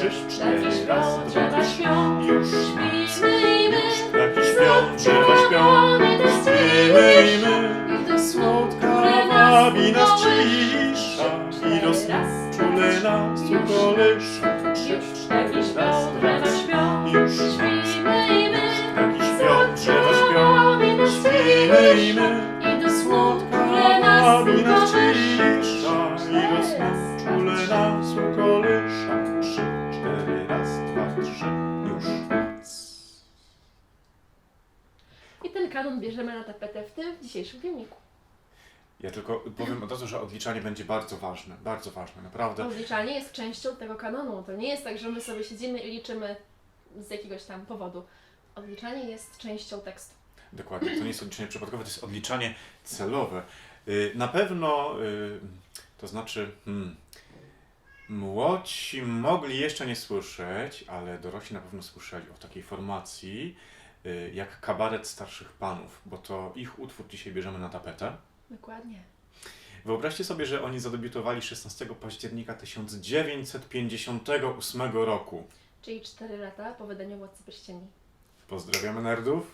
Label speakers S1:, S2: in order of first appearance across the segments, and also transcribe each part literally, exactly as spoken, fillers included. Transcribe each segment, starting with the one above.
S1: trzy, cztery,
S2: śpią,
S1: raz, dwa,
S2: drzewa
S1: trzy.
S2: śpią.
S1: Już
S2: Śpimy i my,
S1: Już ptaki śpią, drzewa śpią. Śpimy i my,
S2: gdy
S1: słodka
S2: które
S1: wabi nas
S2: kołysze.
S1: cisza.
S2: Trzy,
S1: I do
S2: cztery,
S1: snu
S2: raz,
S1: czule nas
S2: już
S1: ukołysza. Trzy,
S2: Już
S1: cztery,
S2: ptaki
S1: raz,
S2: śpią,
S1: dwa,
S2: drzewa
S1: trzy.
S2: śpią.
S1: Już
S2: Śpimy i my,
S1: ptaki śpią, drzewa śpią.
S2: wabi nas
S1: Śpimy i
S2: cisza.
S1: my,
S2: I do snu
S1: słodka
S2: które nas
S1: wabi nas
S2: ukołysze.
S1: cisza. I do snu czule nas ukołysza. Trzy, cztery, raz, dwa, trzy. Już noc.
S2: I ten kanon bierzemy na tapetę w tym dzisiejszym filmiku.
S1: Ja tylko powiem od razu, że odliczanie będzie bardzo ważne, bardzo ważne, naprawdę.
S2: Odliczanie jest częścią tego kanonu. To nie jest tak, że my sobie siedzimy i liczymy z jakiegoś tam powodu. Odliczanie jest częścią tekstu.
S1: Dokładnie, to nie jest odliczanie przypadkowe, to jest odliczanie celowe. Y, Na pewno, y, to znaczy, hmm, młodsi mogli jeszcze nie słyszeć, ale dorośli na pewno słyszeli o takiej formacji y, jak Kabaret Starszych Panów, bo to ich utwór dzisiaj bierzemy na tapetę.
S2: Dokładnie.
S1: Wyobraźcie sobie, że oni zadebiutowali szesnastego października tysiąc dziewięćset pięćdziesiątego ósmego roku.
S2: Czyli cztery lata po wydaniu Władcy Pierścieni.
S1: Pozdrawiamy nerdów.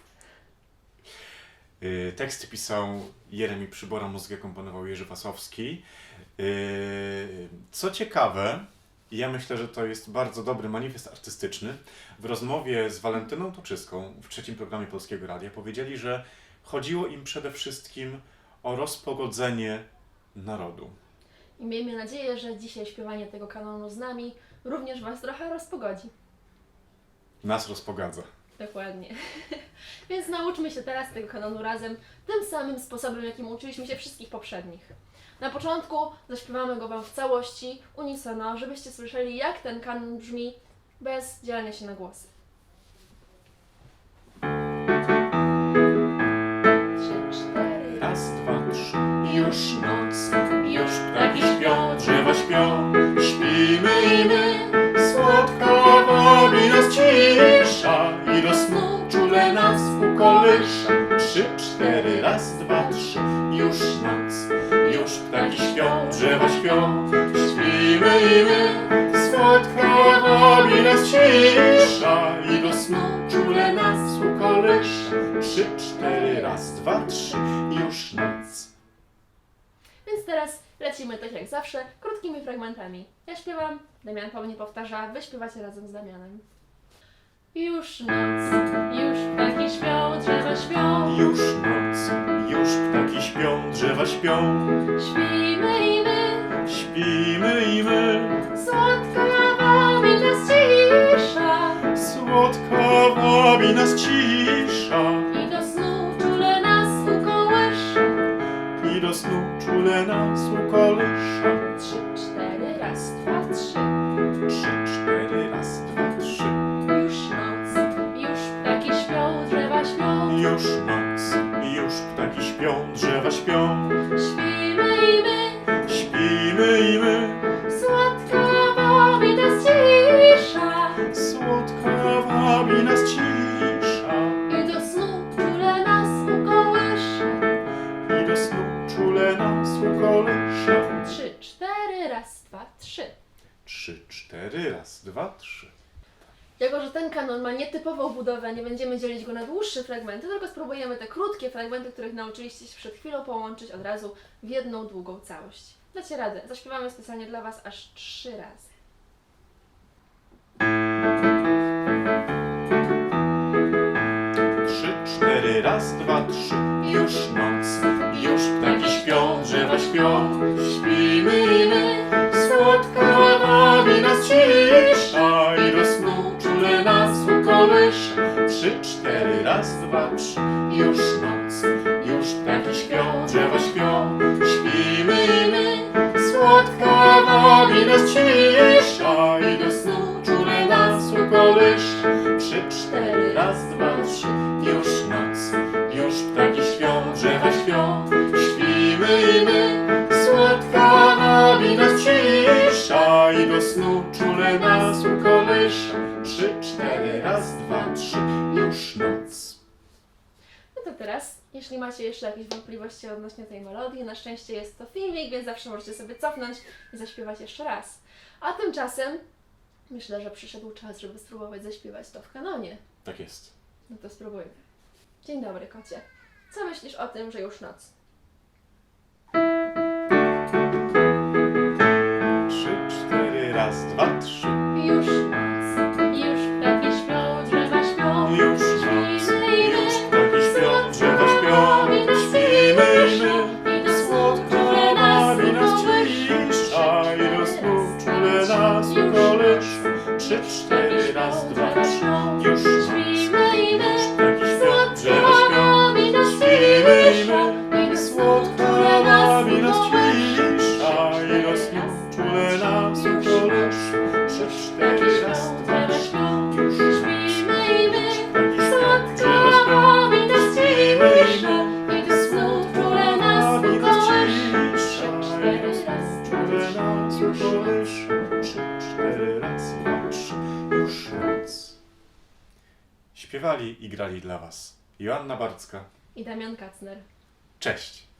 S1: Yy, teksty pisał Jeremi Przybora, muzykę komponował Jerzy Wasowski. Yy, co ciekawe, i ja myślę, że to jest bardzo dobry manifest artystyczny, w rozmowie z Walentyną Toczyską w trzecim programie Polskiego Radia powiedzieli, że chodziło im przede wszystkim o rozpogodzenie narodu.
S2: I miejmy nadzieję, że dzisiaj śpiewanie tego kanonu z nami również Was trochę rozpogodzi.
S1: Nas rozpogadza.
S2: Dokładnie. Więc nauczmy się teraz tego kanonu razem, tym samym sposobem, jakim uczyliśmy się wszystkich poprzednich. Na początku zaśpiewamy go Wam w całości, unisono, żebyście słyszeli, jak ten kanon brzmi, bez dzielenia się na głosy. Trzy, cztery.
S1: Raz, dwa, trzy. Już noc,
S2: Już
S1: ptaki śpią, drzewa śpią. Śpimy i my, słodka wabi nas cisza. I do snu czule nas ukołysza. Trzy, cztery, raz, dwa, trzy. Już noc, już ptaki śpią, drzewa śpią. Śpimy i my, słodka wabi nas cisza. I do snu czule nas ukołysza. Trzy, cztery, raz, dwa, trzy. Już noc.
S2: Więc teraz lecimy tak jak zawsze, krótkimi fragmentami. Ja śpiewam, Damian Paweł powtarza, wy śpiewacie razem z Damianem. Już noc, już ptaki śpią, drzewa śpią.
S1: Już noc, już ptaki śpią, drzewa śpią.
S2: Śpimy i my,
S1: Śpimy i my,
S2: słodka wabi nas cisza.
S1: słodka wabi nas cisza.
S2: I do snu czule nas ukołysza.
S1: I do snu czule nas ukołysza.
S2: Trzy, cztery, raz, dwa, trzy.
S1: Trzy, cztery, raz, dwa, trzy.
S2: Już noc, już ptaki śpią, drzewa śpią.
S1: Już noc, już ptaki śpią, drzewa śpią.
S2: Śpimy i my,
S1: Śpimy i my,
S2: słodka wabi nas cisza.
S1: słodka wabi nas cisza.
S2: I do snu czule nas ukołysza.
S1: I do snu czule nas ukołysza.
S2: Trzy, cztery, raz, dwa, trzy.
S1: Trzy, cztery, raz, dwa, trzy.
S2: Jako że ten kanon ma nietypową budowę, nie będziemy dzielić go na dłuższe fragmenty, tylko spróbujemy te krótkie fragmenty, których nauczyliście się przed chwilą, połączyć od razu w jedną długą całość. Dacie radę. Zaśpiewamy specjalnie dla Was aż trzy razy.
S1: Trzy, cztery, raz, dwa, trzy. Już noc, już ptaki śpią, drzewa śpią. Śpimy i my, słodka wabi nas cisza. I do snu czule nas ukołysza. Trzy, cztery, raz, dwa, trzy. Już noc, już ptaki śpią, drzewa śpią. Śpimy i my, słodka wabi nas cisza. I do snu czule nas ukołysza. Trzy, cztery, raz, dwa, trzy. Już noc, już ptaki śpią, drzewa śpią. Śpimy i my, słodka wabi nas cisza. I do snu czule nas ukołysza. Trzy, cztery, raz, dwa, trzy. Już noc.
S2: No to teraz, jeśli macie jeszcze jakieś wątpliwości odnośnie tej melodii, na szczęście jest to filmik, więc zawsze możecie sobie cofnąć i zaśpiewać jeszcze raz. A tymczasem Myślę, że przyszedł czas, żeby spróbować zaśpiewać to w kanonie.
S1: Tak jest.
S2: No to spróbujmy. Dzień dobry, kocie. Co myślisz o tym, że już noc?
S1: Trzy, cztery, raz, dwa, trzy.
S2: Już noc, już ptaki śpią, drzewa śpią.
S1: Już noc,
S2: Śpimy i
S1: już
S2: my,
S1: ptaki śpią, drzewa śpią. Śpimy i my, słodko bawi nas cisza i do snu czule nas ukołysz. Trzy, cztery, raz, dwa, trzy. Już noc,
S2: śpimy i my,
S1: ptaki śpią, drzewa
S2: słodko
S1: śpią.
S2: bawi nas
S1: Śpimy i
S2: cisza
S1: my,
S2: i do snu
S1: słodko
S2: czule nas
S1: bawi nas
S2: ukołysz.
S1: cisza i do snu czule nas ukołysz. Trzy, cztery, raz, dwa, trzy. Już noc.
S2: Śpimy i my,
S1: Ptaki śpią,
S2: słodko
S1: drzewa śpią.
S2: bawi nas
S1: Śpimy i
S2: cisza
S1: my,
S2: i do snu czule nas
S1: bawi nas
S2: ukołysz.
S1: cisza i do snu czule nas ukołysz. Trzy, cztery, raz, dwa, trzy. Już noc. Śpiewali i grali dla Was Joanna Barcka.
S2: I Damian Kacner.
S1: Cześć!